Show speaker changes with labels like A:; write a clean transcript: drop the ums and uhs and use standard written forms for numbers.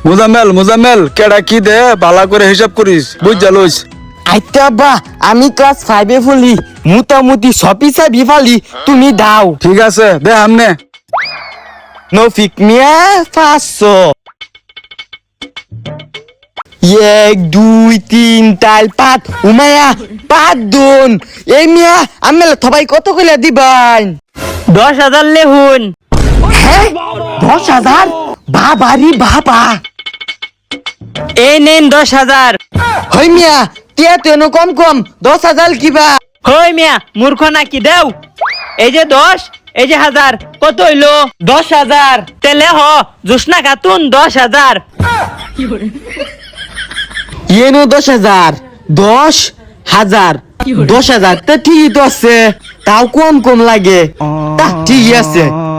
A: মুজাম্মেল কেডা কি দে বালা করে হিসাব করিস বুঝা লইস।
B: আইতে আব্বা আমি ক্লাস 5 এ পড়ি মোটামুটি সপিসা বিফালি তুমি দাও।
A: ঠিক আছে দে আমনে।
B: নফিক মিয়া 500 1 2 3 4 5 উমায়া 5 দুন এই মিয়া আমি সবাই কত কইলা দিবাই
C: 10,000 লেহুন।
B: হ্যাঁ 10,000 বাবারি বাবা
C: এই নেন 10,000।
B: হই মিয়া টিয়া তেন কম 10,000 কিবা
C: হই মিয়া মূর্খ নাকি দেও। এই যে 10 এই যে 1000 কত হইলো 10,000 তেলে হ জুসনা খাতুন 10,000।
B: ইয়েনো 10,000 10,000 তা ঠিকই তো আছে তাও কম লাগে তা ঠিক আছে